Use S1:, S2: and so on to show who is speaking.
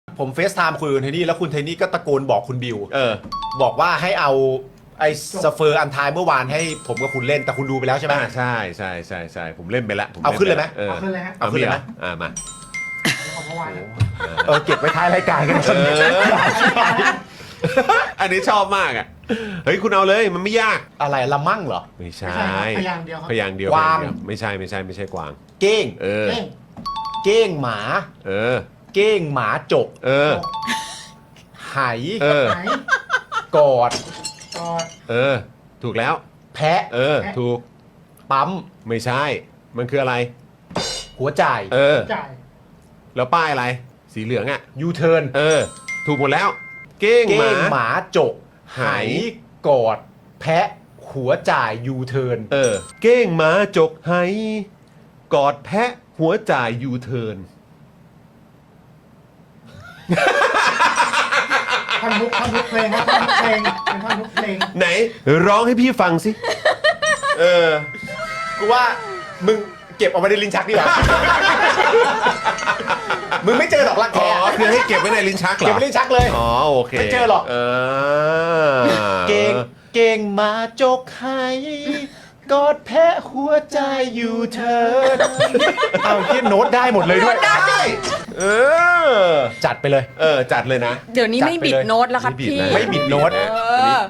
S1: ผมเฟซไทม์คุยกับคุณเทนนี่แล้วคุณเทนนี่ก็ตะโกนบอกคุณบิว บอกว่าให้เอาไอ้สเฟอร์อันทายเมื่อวานให้ผมกับคุณเล่นแต่คุณดูไปแล้วใช่ไหม
S2: ใช่ผมเล่นไปแล้วผม
S1: เอาขึ้นเลยไหม
S3: เอาขึ้นเลยฮะ
S2: เอาขึ้นเลยไหมมา
S3: ของเมื่อวานนะ
S1: เก็บไว้ท้ายรายการกัน
S2: อันนี้ชอบมากอ่ะเฮ้ยคุณเอาเลยมันไม่ยาก
S1: อะไรละมั่งเหรอ
S2: ไม่ใช่
S3: ไม่ใช่ครับพยางค์เดียวครับ
S2: พยางค์เดียว
S1: กวาง
S2: พยเดียไม่ใช่กวาง
S1: เก้ง
S2: เออ
S3: เก้ง
S1: เก้งหมา
S2: เออ
S1: เก้งหมาจก
S2: เออ
S1: ไห
S2: เออ
S3: ไหน
S1: กอด
S3: กอด
S2: เออ ถูกแล้ว
S1: แพะ
S2: เออ ถูก
S1: ปั๊ม
S2: ไม่ใช่ มันคืออะไร
S1: หัวจ่าย
S2: เออ
S3: จ่าย
S2: แล้วป้ายอะไร สีเหลืองอ่ะ
S1: ยูเทิร์น
S2: เออ ถูกหมดแล้ว เก้ง
S1: เก้
S2: หมา
S1: งหมาจก
S2: ไห
S1: กอด แพะหัวจ่ายยูเทิร์น
S2: เออ เก้งหมาจกไหกอดแพะหัวจ่ายยูเทิร์น
S3: ท่อนทุกเพลงครับท่อนทุกเพลงเป็นท่อนทุกเพลง
S2: ไหน ร้องให้พี่ฟังสิ เออ
S1: กูว่ามึงเก็บเอาไว้ในลิ้นชักดีกว่า มึงไม่เจอหรอกรัก
S2: อ๋อ
S1: แท้
S2: คือให้เก็บไว้ในลิ้นชักเหรอ
S1: เก็บไว้ในลิ้นชักเลย
S2: อ๋อโอเค
S1: ไม่เจอหรอก เก่งเก่งมาจกให้กอดแพะหัวใจยูเทิร์นเอาที่โน้ตได้หมดเลยด้วย
S2: ได้เออ
S1: จัดไปเลย
S2: จัดเลยนะ
S4: เดี๋ยวนี้ไม่บิดโน้ตแล้วครับ
S2: ไม่บิด
S4: พี่
S2: นะ
S1: ไม่บิดโน้ต
S4: เออ